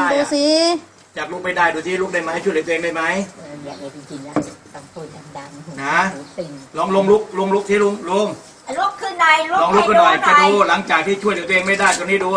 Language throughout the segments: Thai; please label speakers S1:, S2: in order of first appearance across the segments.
S1: ดูสิ
S2: อยากลุกไม่ได้ดูที่ลุกได้ไหมช่วยเหลือตัวเองได้ไหม
S3: อยากเลยจริงๆแล้วต้องพูดดังๆ
S2: นะลองลุกที่ลุง
S3: ลุกขึ้นหน่อย
S2: ลองลุกขึ้นหน่อยจะดูหลังจากที่ช่วยเหลือตัวเองไม่ได้ตรงนี้ดู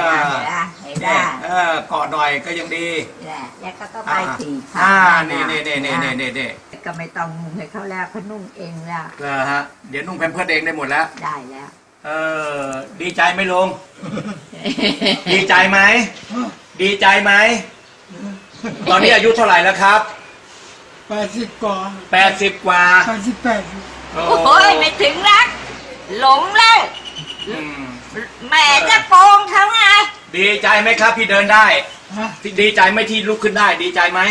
S2: กอดหน่อยก็ยังดี
S3: แล้วก็ไปถีบ
S2: นี่
S3: ก็ไม่ต้องนุ่งให้เขาแล้วเขานุ่งเองแล้ว
S2: ฮะเดี๋ยวนุ่งแพมเพิร์สเองได้หมดแล้ว
S3: ได้แล้ว
S2: ดีใจไหมลุงดีใจไหมดีใจไหมตอนนี้อายุเท่าไหร่แล้วครับ
S1: 80 กว่า
S2: 80 กว่า
S1: 88
S3: โอ้ยไม่ถึงรักหลงแล้วแม่จะโกงเขาไง
S2: ดีใจไหมครับที่เดินได้ดีใจไหมที่ลุกขึ้นได้ดีใจไหม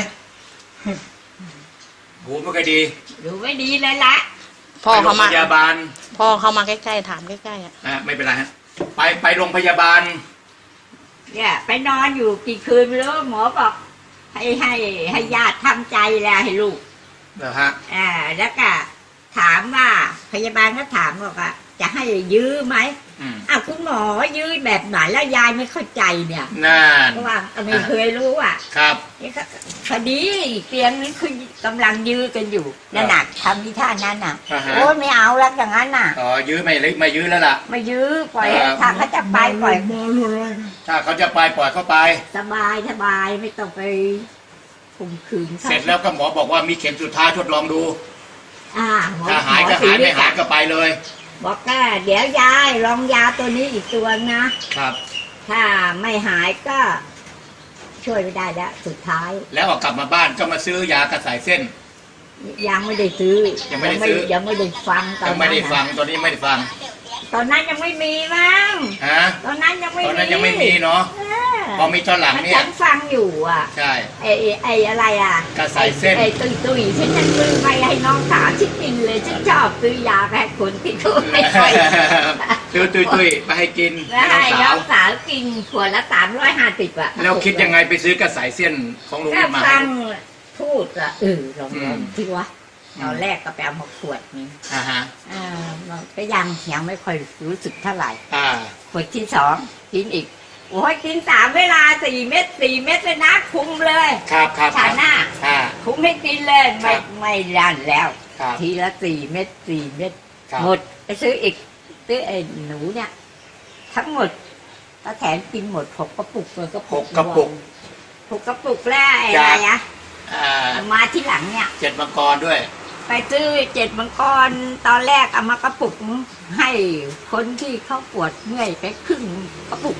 S2: โหไม่ค่อยดี
S3: ดูไม่ดีเลยละ
S2: พ่อเขามาพยาบาล
S1: พ่อเขามาใกล้ๆถามใกล้
S2: ๆไม่เป็นไรฮะไปโรงพยาบาล
S3: เนี่ยไปนอนอยู่กี่คืนไม่รู้หมอบอกให้ญาติทำใจแล้วให้ลูก
S2: เหรอฮะ
S3: แล้วก็ถามว่าพยาบาลก็ถามบอกว่าจะให้ยื้อไหมคุณหมอยื้อแบบไหนแล้วยายไม่เข้าใจเนี่ยเพราะว่าไม่เคยรู้
S2: ครับ
S3: พอดีเตียงนี้คือกำลังยื้อกันอยู่นั่นน่ะทำที่ท่านั้นน่ะโอ้ไม่เอาแล้วอย่างนั้นน่ะ
S2: ยื้อไม่ยื้อแล้วล่ะ
S3: ไม่ยื้อปล่อยถ้าเขาจะไปปล่อย
S2: ถ้าเขาจะไปปล่อยเขาไป
S3: สบายไม่ต้องไปข่มขืน
S2: เสร็จแล้วก็หมอบอกว่ามีเข็มสุดท้ายทดลองดูถ้าหายก็หายไม่หายก็ไปเลย
S3: บอกว่าเดี๋ยวยายลองยาตัวนี้อีกตัวนะครับถ้าไม่หายก็ช่วยไม่ได้แล้วสุดท้าย
S2: แล้วกลับมาบ้านก็มาซื้อยากระสายเส้น
S3: ยังไม่ได้ซื้อ
S2: ยังไม่ได้ซื้อ
S3: ยังไม่ได้ฟัง
S2: ตอนนั้นไม่ได้ฟังตอนนี้ไม่ได้ฟัง
S3: ตอนนั้นยังไม่มีมั้งตอนนั้นยังไม่
S2: มีเนาะพอมีตอนหลังเนี่ย
S3: ฉันฟังอยู่
S2: ใช่
S3: ไอ้อะไร
S2: กระสายเส้น
S3: ไอ้ตุยฉันซื้อไปให้น้องสาวฉันกินเลยฉันชอบซื้อยาแพ้คนที่เขาไม่ค่อย
S2: ตุยไปให้กิน
S3: ให้น้องสาวกินขวดละ350
S2: แล้วคิดยังไงไปซื้อกระสายเส้นของลุงมา
S3: ฟังพูดลองที่ว่าตอนแรกก็ไปเอามาขวดนี้ก็ยังไม่ค่อยรู้สึกเท่าไหร่ขวดที่2กินอีกโอ้ยกิน3 เวลา4 เม็ดเลยนะคุ้มเลย
S2: ครับ
S3: ฉันน่ะคุ้มให้กินเลยไม่รันแล้วทีละ4 เม็ดหมดไปซื้ออีกซื้อไอ้หนูเนี่ยทั้งหมดตาแถนกินหมด6 กระปุกเลยก็
S2: 6 กระ
S3: ปุกแล้วอะไรมาที่หลังเนี่ย
S2: 7 มังกรด้วย
S3: ไปซื้อ7 มังกรตอนแรกเอามากระปุกให้คนที่เขาปวดเมื่อยไปครึ่งกระปุก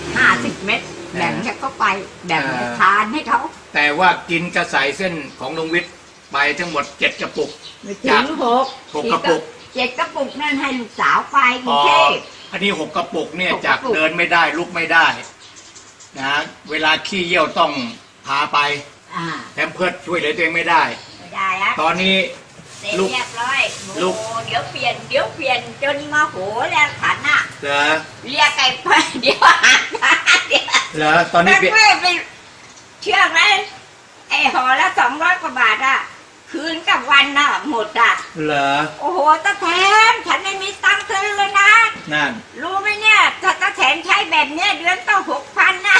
S3: 50 เม็ดแบ่งให้เขาไปแบ่งทานให้เขา
S2: แต่ว่ากินกระสายเส้นของลุงวิทย์ไปทั้งหมด7 กระปุก
S3: ถึง
S2: 6 กระปุก
S3: 7 กระปุกนั่นให้ลูกสาวไปกรุงเทพ
S2: อันนี้6 กระปุกเนี่ยจากเดินไม่ได้ลุกไม่ได้นะเวลาขี้เยี่ยวต้องพาไปแถมเพิร์ดช่วยเหลือตัวเองไม่ได้ตอนนี้
S3: ลูกเรียบร้อยลูกเดี๋ยวเปลี่ยนจนมาโหแล้วขัน
S2: เหรอ
S3: เรียกไก่ไปเดี๋ยว
S2: เหรอตอนนี้เปลี่ยน
S3: เชื่อไหมไอ้ห่อละ200 กว่าบาทคืนกับวันหมด
S2: เหรอ
S3: โอ้โหตาแถนฉันไม่มีตังค์ซื้อเลยนะ
S2: นั่น
S3: รู้ไหมเนี่ยถ้าตาแถนใช้แบบเนี้ยเดือนต้อง6,000นะ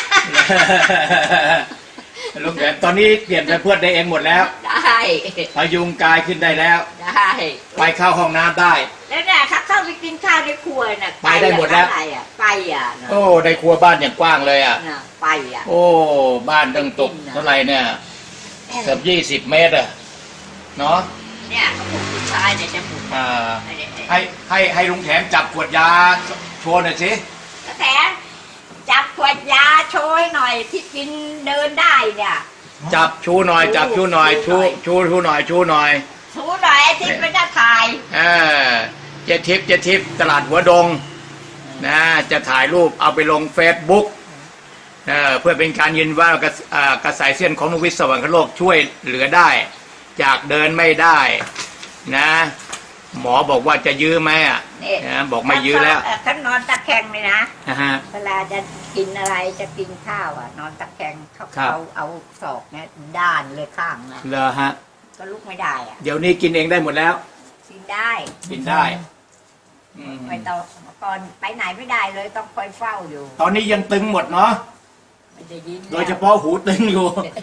S2: ลุงแถนตอนนี้เปลี่ยนไปเพื่อนได้เองหมดแล้ว
S3: ได้
S2: พยุงกายขึ้นได้แล้ว
S3: ได้
S2: ไปเข้าห้องน้ำได้
S3: แล้วเนี่ยถ้าเข้าไปกินข้าวในครัวน่ะ
S2: ไปได้หมดแล้ว
S3: ไป
S2: โอ้ในครัวบ้านอย่างกว้างเลย
S3: ไป
S2: โอ้บ้านตั้งตกเท่าไหร่เนี่ยเกือบ20 เมตรเนาะ
S3: เนี่ยผู้ชายเนี่ยจะหมุน
S2: ให้ลุงแถมจับขวดยาโชว์หน่อยสิ
S3: แถมจับขวดยาโชยหน่อยที่กินเดินได้เนี่ย
S2: จับชูหน่อยชูหน่อยชูหน่อย
S3: ที่เป็นจะถ่าย
S2: เจทิปตลาดหัวดงนะจะถ่ายรูปเอาไปลง Facebook เพื่อเป็นการยืนว่ากระสายเส้นของลุงวิทย์สวรรคโลกช่วยเหลือได้จากเดินไม่ได้นะหมอบอกว่าจะยื้อไหมบอกไม่ยื้อแล้ว
S3: ท่านนอนตะแคงเลยนะเวลาจะกินอะไรจะกินข้าวนอนตะแคงเขาเอาศอกเนี่ยด้านเลยข้างนะ
S2: เหรอฮะ
S3: ก็ลุกไม่ได้
S2: เดี๋ยวนี้กินเองได้หมดแล้ว
S3: กินได้ไปต่อก่อนไปไหนไม่ได้เลยต้องคอยเฝ้าอยู่
S2: ตอนนี้ยังตึงหมดเนาะ
S3: ไม่ได้ยิน
S2: โดยเฉพาะหูตึงอยู่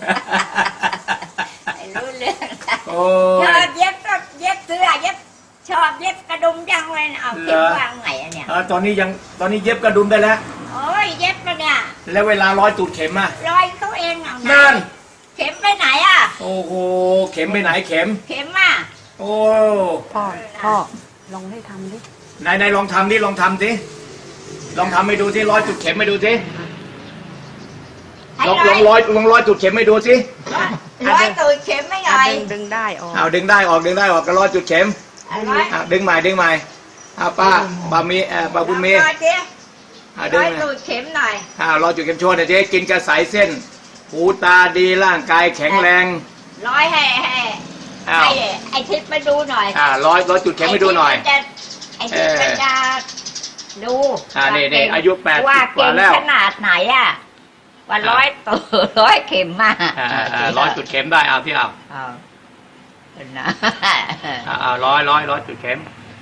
S3: ไม่รู้เรื่อง
S2: โอ้
S3: ชอบเย็บก็เย็บเสื้อเย็บชอบเย็บกระดุมจังเลยนะเอาเก็บวางไหนอะเนี่ย
S2: ตอนนี้เย็บกระดุมได้แล้ว
S3: โอ้ยเย็บแล้วเนี่ย
S2: แล้วเวลาร้อยตูดเข็มอะ
S3: รอยเขาเองเอาไห
S2: นั่น
S3: เข็มไปไหนอ่ะ
S2: โอ้โหเข็มไปไหนเข็ม
S3: เข็มอ่ะ
S2: โอ้
S1: พ่อลองให้ทำดิ
S2: ไหนลองทำดิลองทำสิลองทำให้ดูสิร้อยจุดเข็มให้ดูสิ
S3: ให้
S2: ลองร้อยจุดเข็มให้ดูสิ
S3: ร้อยตูดเข็มไม่หน่อย
S1: ดึงได้ออก
S2: เอาดึงได้ออกก็ร้อยจุดเข็ม
S3: ร้อย
S2: ดึงใหม่เอาป้ามีป้าบุญมี
S3: ร้อยสิ
S2: ดึ
S3: ร้
S2: ง
S3: อยตูดเข็มหน่อย
S2: ร้อยจุดเข็มโชว์หน่อยสิกินกระสายเส้นหูตาดีร่างกายแข็งแรง
S3: ร้อยให้
S2: อ้าว
S3: ไอ้ทิศไปดูหน่อย
S2: ร้อยจุดเข็มให้ดูหน่อย
S3: ไอ้ทิศมันจะดู
S2: นี่อายุ80
S3: ว่า
S2: กว่า
S3: เก่ง
S2: แล้ว
S3: ขนาดไหนอ่ะว่าร้อยตูดร้อยเข็มมา
S2: ร้อยจุดเข็มได้เอาที่เอา
S3: เอาเป็นนะ
S2: ร้อยจุดเข็ม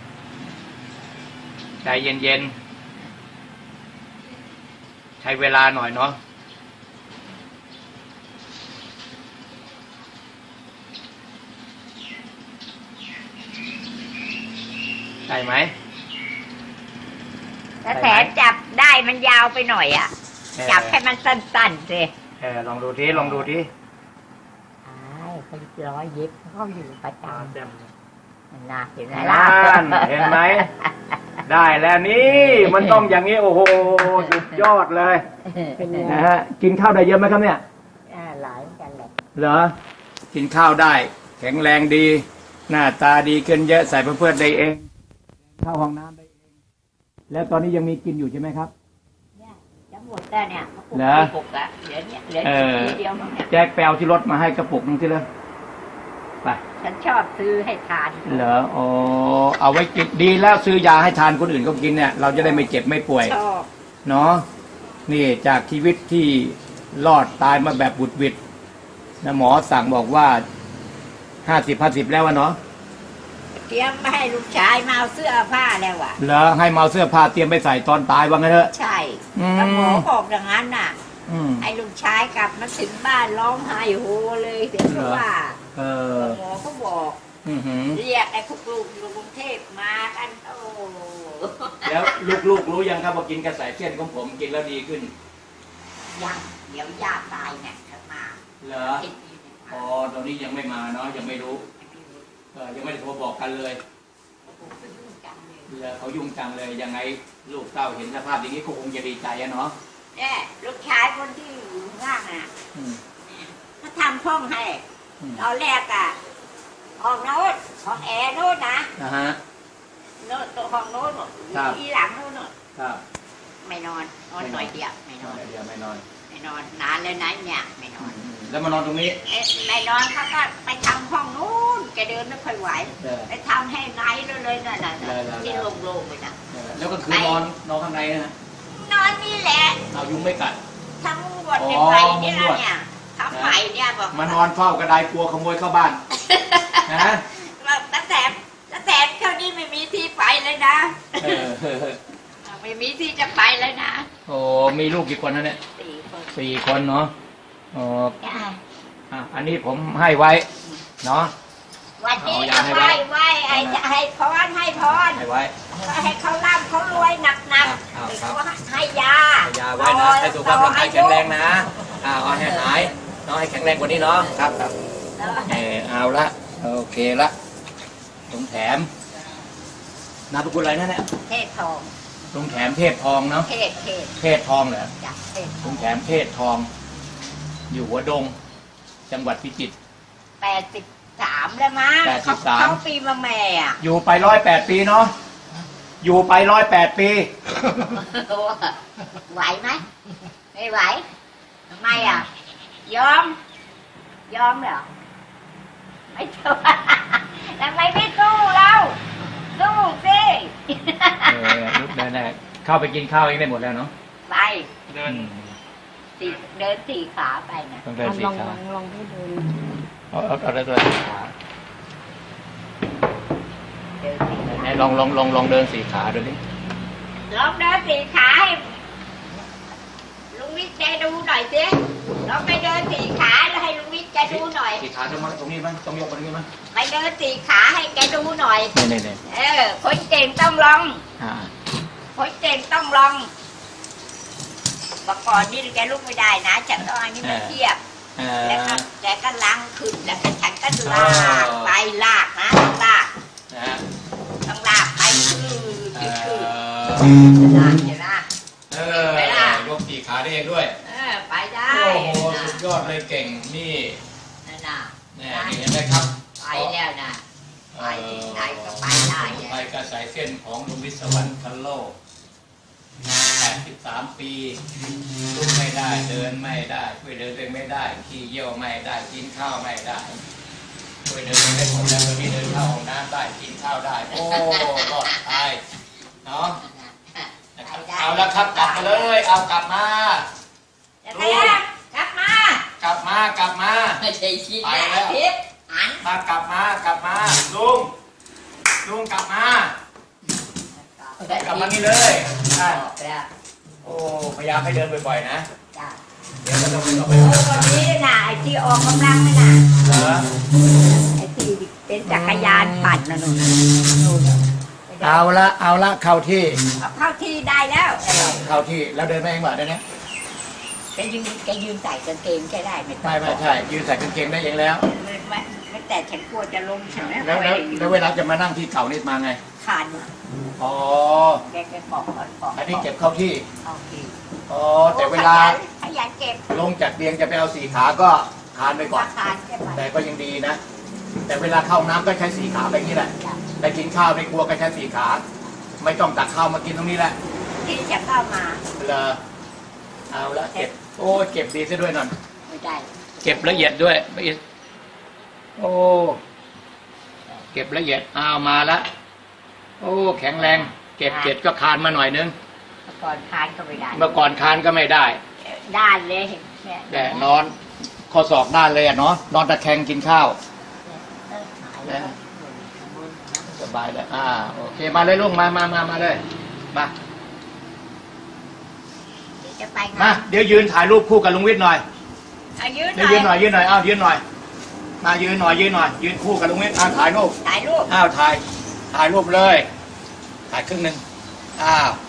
S2: ใจเย็นๆใช้เวลาหน่อยเนาะได้ไหม
S3: ถ้าแขนจับได้มันยาวไปหน่อยอ่ะ จับให้มันสั้นๆสิ
S2: ลองดูทีลองดูที
S3: เขาร้อยเย็บเขาอยู่ประจำนะเห็นไหม
S2: นั่
S3: ล่ะ
S2: นเห็นไหม ได้แล้วนี่มันต้องอย่างนี้โอ้โหสุดยอดเลยนะฮะกินข้าวได้เยอะไหมครับเนี่ย
S3: หลายกันแหละ
S2: เหรอกินข้าวได้ แข็งแรงดี หน้าตาดีขึ้นเยอะใส่เพื่อนได้เองเข้าห้องน้ำได้เองแล้วตอนนี้ยังมีกินอยู่ใช่ไหมครับ
S3: จะหมดแล้วเนี่ย
S2: เหรอ
S3: ปุกอะเหลือเนี่ยเหลือทีเดียวมั้งเนี่ย
S2: แจ็คแปลที่รถมาให้กระปุกนึงที่เลยไป
S3: ฉันชอบซื้อให้ทาน
S2: เหรอโอ้เอาไว้กินดีแล้วซื้อยาให้ทานคนอื่นก็กินเนี่ยเราจะได้ไม่เจ็บไม่ป่วย
S3: ชอบ
S2: เนาะนี่จากชีวิตที่รอดตายมาแบบบุดหวิดนะหมอสั่งบอกว่า50แล้ววะเนาะ
S3: เตรียมไม่ให้ลูกชายมาเอาเสื้อผ้าแล้วอ่ะ
S2: แล้วให้เมาเสื้อผ้าเตรียมไปใส่ตอนตายว่างั้นเถอะ
S3: ใช่
S2: อืม
S3: แล้วหมอบอกอย่างนั้นน่ะ
S2: อืม
S3: ไอ้ลูกชายกลับมาถึงบ้านร้องไห้โฮเลยเสียงเพราะว่า
S2: เออ
S3: หมอก็บอก
S2: อือหือ
S3: เรียกไอ้พวกลูกอยู่กรุงเทพมากันโอ้
S2: แล้วลูกๆรู้ยังครับว่ากินกระสายเส้นของผมกินแล้วดีขึ้น
S3: ยังเดี๋ยวย่าตายเนี่ยจะมา
S2: เหรออ๋อตอนนี้ยังไม่มาเนาะยังไม่รู้ยังไม่ได้โทรบอกกันเลยเขายุ่งจังเลยยังไงลูกเต้าเห็นสภาพอย่างนี้ก็คงจะดีใจอะเนาะ
S3: เนี่ยลูกชายคนที่อยู่ข้างน่ะ
S2: อืม
S3: เขาทำห้องให้
S2: อืม
S3: ตอนแรกอ่ะห้องโน้นห้องแอร์โน้นนะ
S2: นะฮะ
S3: โน้นตัวห้องโน้น
S2: ครับ
S3: ที่หลังโน้นน่ะ
S2: ครับ
S3: ไม่นอนนอนหน่อยเดียวไม่นอน
S2: เดี๋ยวไม่นอน
S3: ไม่นอนนานเลยนะเนี่ยไม่นอน
S2: แล้วมานอนตรงนี้
S3: ไม่นอนเขาก็ไปทำห้องนู้นแกเดินไม่ค่อยไหว
S2: เออ
S3: ไปทำให้ไงเลยนั่นน่ะ
S2: ได้ๆๆ
S3: ที่โล่งๆเลยนะ
S2: แล้วก็คือนอนข้างในนะฮะ
S3: นอนนี่แหละ
S2: เอายุงไม่กัด
S3: ทั้งหมดเนี่ยไปเนี่ยนะเนี่ยทำใหม่เนี่ยบอก
S2: มานอนเฝ้ากระไดกลัวขโมยเข้าบ้านนะ
S3: ว่าตั้งแต่เขานี่ไม่มีที่ไปเลยนะ
S2: เออ
S3: ไม่มีที่จะไปเลยนะ
S2: โอ้มีลูกกี่คนนะเนี่ย
S3: 4 คน
S2: 4 คนเนาะอ๋อ
S3: จ้ะ
S2: อันนี้ผมให้ไว้เนาะ
S3: วันนี้
S2: เอายา
S3: ก็
S2: ให้ไว้
S3: ไหว้ให้พรให้พร
S2: ให้ไว้
S3: ให้เขาร่ำเขารวยหนัก
S2: ครับ
S3: ๆเขาให้ยา
S2: ให้ยาไว้นะให้สุขภาพร่างกายแข็งแรงนะเอาให้หายเนาะให้แข็งแรงกว่านี้เนาะครับเอาละโอเคละลุงแถมนามสกุลอะไรนั่นเนี่ย
S3: เทศทอง
S2: ลุงแถมเทพทองเนาะ
S3: เทศ
S2: เทพทองเหรอ
S3: จ้ะเทศ
S2: ลุงแถมเทพทอง อยู่หัวดง จังหวัดพิจิตร
S3: 83แล้วมั้ง
S2: 83
S3: เขาปีมาแม่อ่ะ
S2: อยู่ไป108 ปีเนาะอยู่ไป108 ปี
S3: ไหวไหมไม่ไหวทำไมอ่ะยอมเหรอไม่สู้ทำไมไม่สู้เราสู้สิ
S2: ลุกได้เข้าไปกินข้าวเองได้หมดแล้วเนาะ
S3: ไปเดินสี่ขาไปนะ
S2: ต้องเดินสี่
S1: ลอง
S2: ขา
S1: ลองให้เดิน
S2: เอาได้ตัวสี่ขา
S3: เดินสี่ขา
S2: ไหนลองเดินสี่ขาดูดิ
S3: ลองเดินสี่ขาให้ลุงวิเศกดูหน่อยสิเราไปเดินสี่ขาแล้วให้ลุงวิทย์แกดูหน่อย
S2: สี่ขาตรงมาตรงนี้มั้ยต้องยกมาตรงนี้มั้ย
S3: ไปเดินสี่ขาให้แกดูหน่อย
S2: นี่
S3: คนเก่งต้องลอง
S2: อ่า
S3: คนเก่งต้องลองเมื่อก่อนนี่แกลุกไม่ได้นะฉันต้องอันนี้มาเทียบแล้วก็แกก็ล้างขึ้นแล้วก็ฉันก็ลากไปลากนะลากต้องลากไปคือลากอยู่นะ
S2: ยกสี่ขาได้เองด้วย
S3: ไปได้
S2: โอ้โหสุดยอดเลยเก่งนี่
S3: นั่นน่ะ
S2: นี่เห็นไหมครับ
S3: ไปแล้วนะไปที่ไหนก็ไปได้
S2: ไปกระสายเส้นของลุงวิศวรรณคันโลก83 ปีลุกไม่ได้เดินไม่ได้ช่วยเดินเองไม่ได้ขี้เยี่ยวไม่ได้กินข้าวไม่ได้ช่วยเดินเองได้หมดแล้วตอนนี้เดินเข้าห้องน้ำได้กินข้าวได้โอ้รอดตายเนาะเอาละครับกลับมาเลยเอากลับมา
S3: กลับมาก
S2: ลับมา
S3: ไม่ใช่ชี้
S2: ไปแล้ว
S3: ทิศหัน
S2: มากลับมาลุงกลับมานี่เลยโอ้พยายามให้เดินบ่อยๆนะเดี๋ยวก็ต้องไป
S3: วันนี้น่ะไอ้ที่ออกกำลังน่ะ
S2: เหรอ
S3: ไอ้ที่เป็นจักรยานปั่นน่ะนู่น
S2: เอาละเข้าที่
S3: เข้าที่ได้แล้ว
S2: เข้าที่แล้วเดินไม่เองเหรอเดี๋ยวนี้
S3: แกยืนใส่กางเกงแกได้ไม่ต้อง
S2: ไม่ใช่ยืนใส่กางเกงได้เองแล้ว
S3: ไม่แต่ฉันกลัวจะลงฉัน
S2: แล้วเวลาจะมานั่งที่เก่านี่มาไง
S3: ขาด
S2: อ๋อ
S3: แกบอก
S2: อันนี้เก็บเข้าที่
S3: เข้าที่
S2: อ๋อแต่เวลา
S3: ขยันเก็บ
S2: ลงจากเตียงจะไปเอาสี่ขาก็คานไปก่อน
S3: คานแค่ไป
S2: แต่ก็ยังดีนะ แต่เวลาเข้าน้ำก็ใช้สี่ขาไปนี่แหละไปกินข้าวในครัวก็ใช้สี่ขา ไม่ต้องตักข้าวมากินตรงนี้แหละ
S3: ที่จะเข้ามา
S2: เลยเอาละเก็บโอ้เก็บดีซะด้วยนั่น
S3: ไม่ได้
S2: เก็บละเอียดด้วยโอ้เก็บละเอียดเอามาละโอ้แข็งแรง เก็บเจ็ดก็คานมาหน่อยนึง
S3: ก่อนคานก็ไม่ได้
S2: เมื่อก่อนคานก็ไม่ได้
S3: ด้านเลยเนี่ย
S2: แต่นอนข้อศอกด้านเลยอ่ะเนาะนอนตะแคงกินข้าวสบายเลยโอเคมาเลยลุงมาเลยมา
S3: จะไป
S2: มาเดี๋ยวยืนถ่ายรูปคู่กับลุงวิทย์หน่อย
S3: ยืนห
S2: เดี๋ยว
S3: น่อย
S2: ยืนหน่อยเอายืนหน่อยมายืนหน่อยยืนคู่กับลุงวิทย์ถ่ายรูป
S3: ถ่ายรูป
S2: ถ่ายรูปเลยถ่ายครึ่งหนึ่ง